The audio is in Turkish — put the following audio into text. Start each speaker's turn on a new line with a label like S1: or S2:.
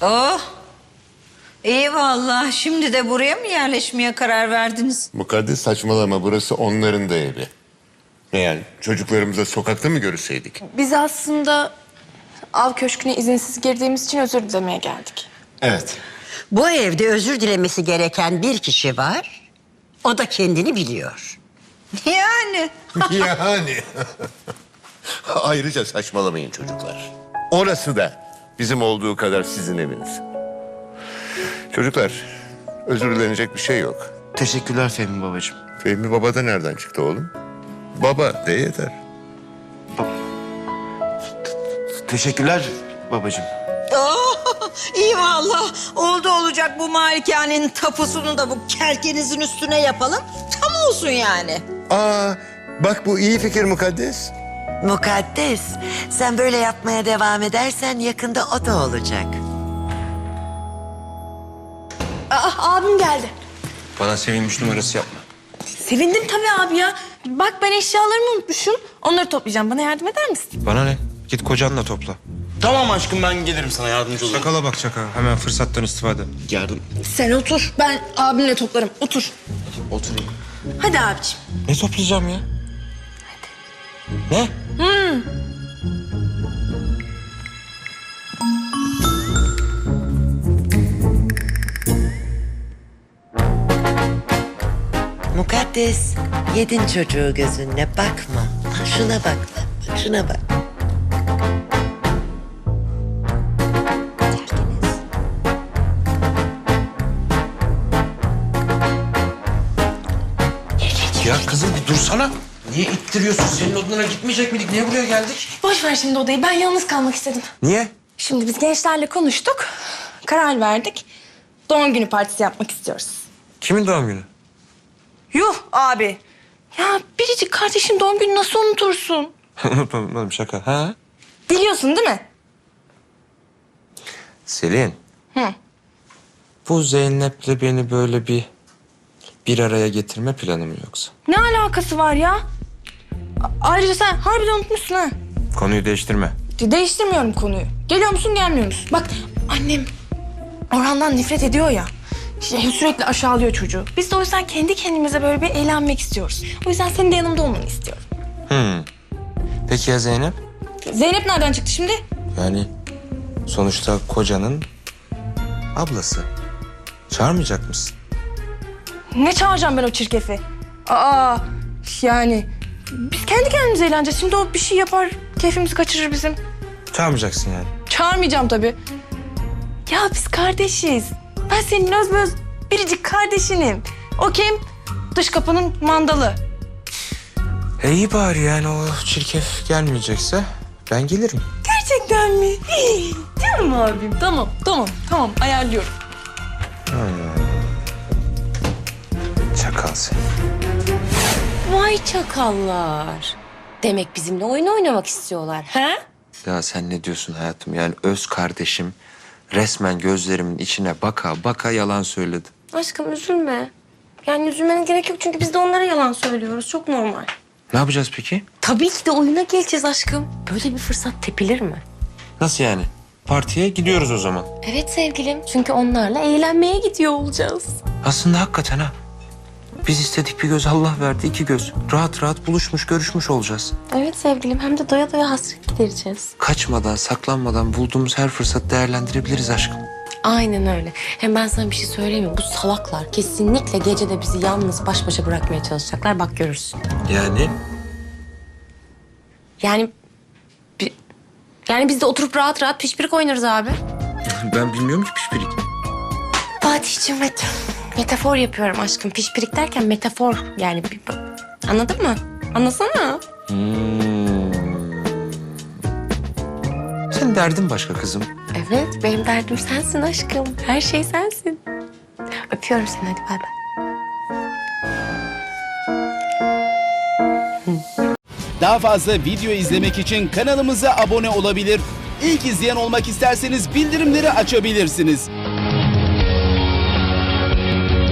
S1: Oh, iyi vallahi. Şimdi de buraya mı yerleşmeye karar verdiniz?
S2: Mukaddes saçmalama, burası onların da evi. Ne yani, çocuklarımızla sokakta mı görüşseydik?
S3: Biz aslında av köşküne izinsiz girdiğimiz için özür dilemeye geldik.
S2: Evet.
S4: Bu evde özür dilemesi gereken bir kişi var. O da kendini biliyor.
S1: Yani.
S2: Yani. Ayrıca saçmalamayın çocuklar. Orası da bizim olduğu kadar sizin eviniz. Çocuklar, özür dilenecek bir şey yok.
S5: Teşekkürler Fehmi babacığım.
S2: Fehmi Baba da nereden çıktı oğlum? Baba de yeter.
S5: Teşekkürler babacığım.
S1: Oh, iyi vallahi. Oldu olacak bu malikanenin tapusunu da bu kerkenizin üstüne yapalım. Tam olsun yani.
S2: Aa, bak bu iyi fikir Mukaddes.
S6: Mukaddes, sen böyle yapmaya devam edersen yakında o da olacak.
S3: Abim geldi.
S7: Bana sevinmiş numarası yapma.
S3: Sevindim tabii abi ya. Bak ben eşyalarımı unutmuşum. Onları toplayacağım. Bana yardım eder misin?
S7: Bana ne? Git kocanla topla.
S5: Tamam aşkım, ben gelirim sana, yardımcı olurum.
S7: Çakala bak çakala. Hemen fırsattan istifade.
S5: Yardım.
S3: Sen otur. Ben abimle toplarım. Otur.
S5: Oturayım.
S3: Hadi abiciğim.
S7: Ne toplayacağım ya? Ne?
S6: Mukaddes, yedin çocuğu gözünle bakma. Şuna bak, bak şuna bak.
S7: Ya kızım bir dursana. Niye ittiriyorsun? Senin odana gitmeyecek miydik? Niye buraya geldik?
S3: Boş ver şimdi odayı. Ben yalnız kalmak istedim.
S7: Niye?
S3: Şimdi biz gençlerle konuştuk. Karar verdik. Doğum günü partisi yapmak istiyoruz.
S7: Kimin doğum günü?
S3: Yuh abi. Ya biricik kardeşin doğum günü nasıl unutursun?
S7: Unutmadım şaka. Ha?
S3: Biliyorsun değil mi?
S7: Selin.
S3: Hı.
S7: Bu Zeynep'le beni böyle bir araya getirme planı mı yoksa?
S3: Ne alakası var ya? Ayrıca sen harbiden unutmuşsun ha.
S7: Konuyu değiştirme.
S3: Değiştirmiyorum konuyu. Geliyor musun gelmiyor musun? Bak annem Orhan'dan nefret ediyor ya. İşte sürekli aşağılıyor çocuğu. Biz de o yüzden kendi kendimize böyle bir eğlenmek istiyoruz. O yüzden senin de yanımda olmanı istiyorum.
S7: Peki ya Zeynep?
S3: Zeynep nereden çıktı şimdi?
S7: Yani sonuçta kocanın ablası. Çağırmayacak mısın?
S3: Ne çağıracağım ben o çirkefi? Aa yani biz kendi kendimize eğleneceğiz. Şimdi o bir şey yapar, keyfimizi kaçırır bizim.
S7: Çağırmayacaksın yani.
S3: Çağırmayacağım tabii. Ya biz kardeşiz. Ben senin özböz biricik kardeşinim. O kim? Dış kapının mandalı.
S7: İyi bari yani o çirkef gelmeyecekse ben gelirim.
S3: Gerçekten mi? Canım abim. Tamam. Ayarlıyorum.
S7: Çakal sen.
S8: Vay çakallar. Demek bizimle oyun oynamak istiyorlar, he?
S7: Ya sen ne diyorsun hayatım? Yani öz kardeşim resmen gözlerimin içine baka baka yalan söyledi.
S8: Aşkım üzülme. Yani üzülmene gerek yok çünkü biz de onlara yalan söylüyoruz. Çok normal.
S7: Ne yapacağız peki?
S8: Tabii ki de oyuna geleceğiz aşkım. Böyle bir fırsat tepilir mi?
S7: Nasıl yani? Partiye gidiyoruz o zaman.
S8: Evet sevgilim. Çünkü onlarla eğlenmeye gidiyor olacağız.
S7: Aslında hakikaten ha. Biz istedik bir göz, Allah verdi iki göz. Rahat rahat buluşmuş, görüşmüş olacağız.
S8: Evet sevgilim. Hem de doya doya hasret gidereceğiz.
S7: Kaçmadan, saklanmadan bulduğumuz her fırsatı değerlendirebiliriz aşkım.
S8: Aynen öyle. Hem ben sana bir şey söyleyeyim mi? Bu salaklar kesinlikle gecede bizi yalnız baş başa bırakmaya çalışacaklar. Bak görürsün.
S7: Yani?
S8: Yani biz de oturup rahat rahat pişpirik oynarız abi.
S7: Ben bilmiyorum ki pişpirik.
S8: Fatih'cim metafor yapıyorum aşkım. Pişpirik derken metafor yani. Anladın mı? Anlasana.
S7: Senin derdin başka kızım.
S8: Evet benim derdim sensin aşkım. Her şey sensin. Öpüyorum seni hadi bay bay.
S9: Daha fazla video izlemek için kanalımıza abone olabilir. İlk izleyen olmak isterseniz bildirimleri açabilirsiniz.